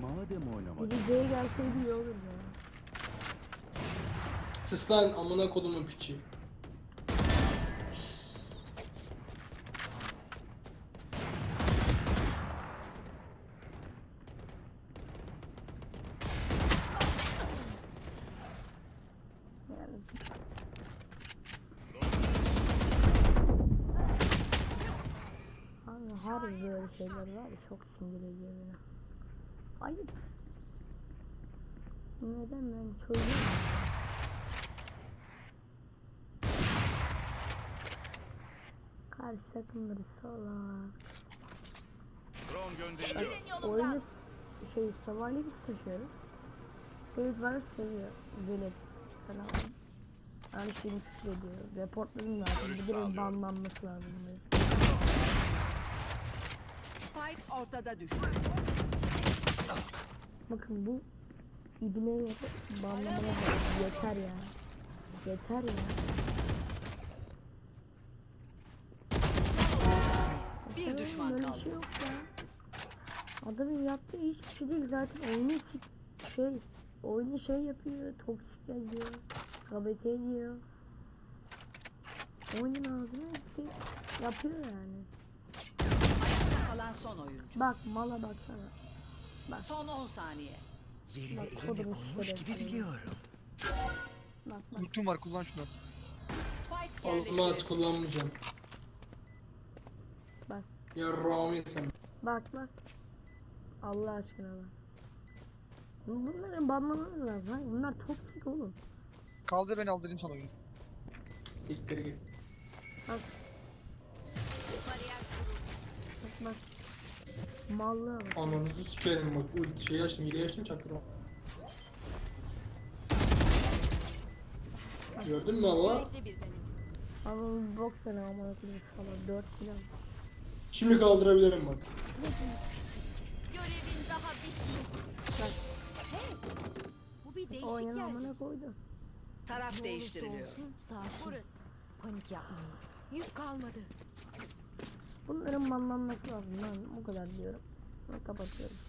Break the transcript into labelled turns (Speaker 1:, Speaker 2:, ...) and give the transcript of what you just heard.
Speaker 1: Madem oynamak.
Speaker 2: Biri C'ye gelseydi iyi olurdu ya.
Speaker 3: Sus lan amına kodumun piçi.
Speaker 2: Yani abi her böyle şeyler var ya, çok sinir ediyor beni. Ayıp. Neden ben çocuğum? Karşı takımları salak.
Speaker 1: Drone gönderiyor.
Speaker 2: Oyunu sabahleyin biz taşıyoruz. Seyit var seviyor. Velet falan. Her şeyini küfür ediyor. Reportlarım lazım. Bir de banlanması lazım.
Speaker 4: Spike ortada düştü.
Speaker 2: Bakın bu ibneleri banlamaya da yeter ya. Yeter ya.
Speaker 4: Bir düşman
Speaker 2: Böyle
Speaker 4: kaldı.
Speaker 2: bir şey yok ya. Adamın yaptığı hiçbir şey değil zaten oyunu şey yapıyor, toksik yazıyor, sabote ediyor. Oyunun ağzına şey yapıyor yani.
Speaker 4: Ayakta kalan son oyuncu.
Speaker 2: Bak mala baksana.
Speaker 4: Son 10 saniye.
Speaker 5: Yerini
Speaker 2: Bak,
Speaker 5: elimle
Speaker 2: kodumu
Speaker 5: bulmuş gibi
Speaker 2: şerefsiz.
Speaker 5: biliyorum.
Speaker 2: Bak.
Speaker 6: Ultim var, kullan şunu.
Speaker 4: Spike
Speaker 3: Olmaz
Speaker 4: yerleştirildi.
Speaker 3: kullanmayacağım.
Speaker 2: Bak.
Speaker 3: Yarrağımı sen.
Speaker 2: Bak. Allah aşkına bak. Bunların banlamanız lazım. Ha? Bunlar toksik oğlum.
Speaker 6: Kaldır beni, aldırayım sana oyunu.
Speaker 3: Siktir git.
Speaker 2: Bak. Bak. Mallığa bak.
Speaker 3: Ananızı sikerim bak. Ulti şey açtım, hile açtım çaktırma. Gördün mü baba?
Speaker 2: Ama bok sana amına koyayım falan 4 kilo.
Speaker 3: Şimdi kaldırabilirim bak.
Speaker 7: Görevin daha bitmedi.
Speaker 2: Bak.
Speaker 7: Bu bir değişik
Speaker 2: Oyun
Speaker 7: geldi.
Speaker 2: amına koydu.
Speaker 4: Taraf değiştiriliyor.
Speaker 7: Sakin. Burası. Panik yapmayın. Yük kalmadı.
Speaker 2: Bunların banlanması lazım lan. O kadar diyorum. Ben kapatıyorum.